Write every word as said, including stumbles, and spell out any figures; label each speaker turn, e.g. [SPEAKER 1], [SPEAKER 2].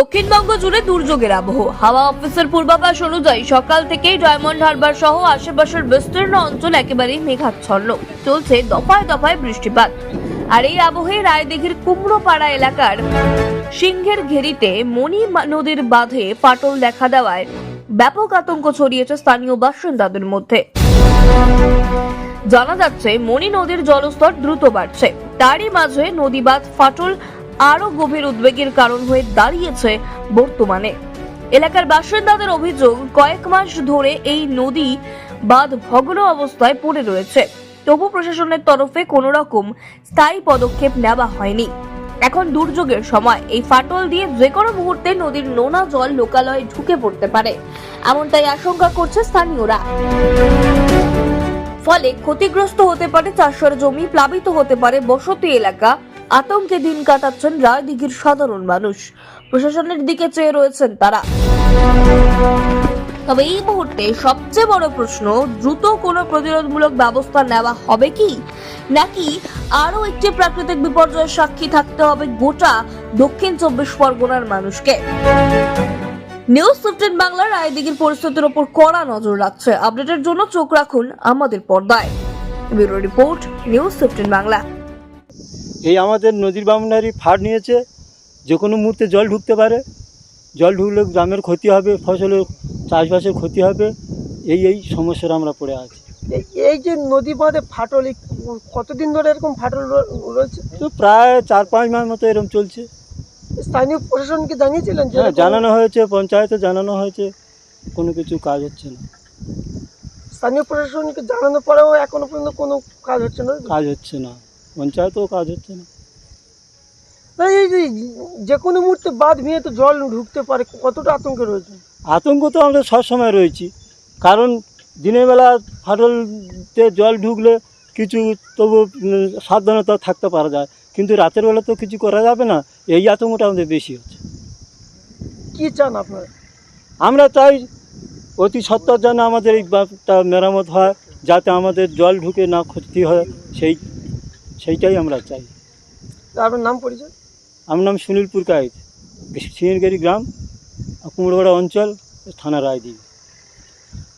[SPEAKER 1] দক্ষিণবঙ্গ জুড়ে দুর্যোগের আবহ। হাওয়া অফিসের পূর্বাভাস অনুযায়ী সকাল থেকেই ডায়মন্ড হারবার সহ আশেপাশের বিস্তীর্ণ অঞ্চল একেবারেই মেঘাচ্ছন্ন। চলছে দফায় দফায় বৃষ্টিপাত। আর এই আবহে রায়দিঘির কুমড়োপাড়া এলাকার সিংহের ঘেরিতে মণি নদীর বাঁধে ফাটল দেখা দেওয়ায় ব্যাপক আতঙ্ক ছড়িয়েছে স্থানীয় বাসিন্দাদের মধ্যে। জানা যাচ্ছে মণি নদীর জলস্তর দ্রুত বাড়ছে, তারই মাঝে নদী বাঁধ ফাটল আরো গভীর উদ্বেগের কারণ হয়ে দাঁড়িয়েছে বর্তমানে। এলাকার বাসিন্দাদের অভিযোগ, কয়েক মাস ধরে এই নদী বাঁধ ভগ্ন অবস্থায় পড়ে রয়েছে, তবু প্রশাসনের তরফে কোনো রকম স্থায়ী পদক্ষেপ নেওয়া হয়নি। এখন দুর্যোগের সময় এই ফাটল দিয়ে যে কোনো মুহূর্তে নদীর নোনা জল লোকালয়ে ঢুকে পড়তে পারে, এমনটাই আশঙ্কা করছে স্থানীয়রা। ফলে ক্ষতিগ্রস্ত হতে পারে চাষের জমি, প্লাবিত হতে পারে বসতি এলাকা। আতঙ্কে দিন কাটাচ্ছেন রায়দিঘির সাধারণ মানুষ। প্রশাসনের দিকে চেয়ে রয়েছেন তারা। তবে এই মুহূর্তে সবচেয়ে বড় প্রশ্ন, দ্রুত কোনো প্রতিরোধমূলক ব্যবস্থা নেওয়া হবে কি, নাকি আরো একটি প্রাকৃতিক বিপর্যয়ের সাক্ষী থাকতে হবে গোটা দক্ষিণ চব্বিশ পরগনার মানুষকে। নিউজ ফিফটিন বাংলা রায়দিঘির পরিস্থিতির উপর কড়া নজর রাখছে। আপডেটের জন্য চোখ রাখুন আমাদের পর্দায়। Bureau report, news fifteen Bangla.
[SPEAKER 2] এই আমাদের নদীর বাউন্ডারি ফাট নিয়েছে, যে কোনো মুহূর্তে জল ঢুকতে পারে। জল ঢুকলে গ্রামের ক্ষতি হবে, ফসলের চাষবাসের ক্ষতি হবে। এই এই সমস্যার আমরা পড়ে আছি।
[SPEAKER 3] এই যে নদী বাঁধে ফাটল, কতদিন ধরে এরকম ফাটল রয়েছে?
[SPEAKER 2] তো প্রায় চার পাঁচ মাস মতো এরকম চলছে।
[SPEAKER 3] স্থানীয় প্রশাসনকে জানিয়েছিলেন?
[SPEAKER 2] হ্যাঁ, জানানো হয়েছে, পঞ্চায়েতে জানানো হয়েছে, কোনো কিছু কাজ হচ্ছে না।
[SPEAKER 3] স্থানীয় প্রশাসনকে জানানোর পরেও এখনো পর্যন্ত কোনো কাজ হচ্ছে না?
[SPEAKER 2] কাজ হচ্ছে না, পঞ্চায়েতেও কাজ হচ্ছে না।
[SPEAKER 3] তাই এই যে যে কোনো মুহূর্তে বাঁধ ভেঙে তো জল ঢুকতে পারে, কতটা আতঙ্কে রয়েছে?
[SPEAKER 2] আতঙ্ক তো আমরা সবসময় রয়েছি, কারণ দিনের বেলা ফাটলতে জল ঢুকলে কিছু তবু সাবধানতা থাকতে পারা যায়, কিন্তু রাতের বেলা তো কিছু করা যাবে না। এই আতঙ্কটা আমাদের বেশি হচ্ছে।
[SPEAKER 3] কি চান আপনারা?
[SPEAKER 2] আমরা চাই অতি সত্বর যেন আমাদের এই বাঁধটা মেরামত হয়, যাতে আমাদের জল ঢুকে না ক্ষতি হয়, সেই সেইটাই আমরা চাই।
[SPEAKER 3] আপনার নাম পরিচয়?
[SPEAKER 2] আমার নাম সুনীল পুরকাইত, সিংহেরঘেরি গ্রাম, কুমড়োপাড়া অঞ্চল, থানা রায়দিঘি।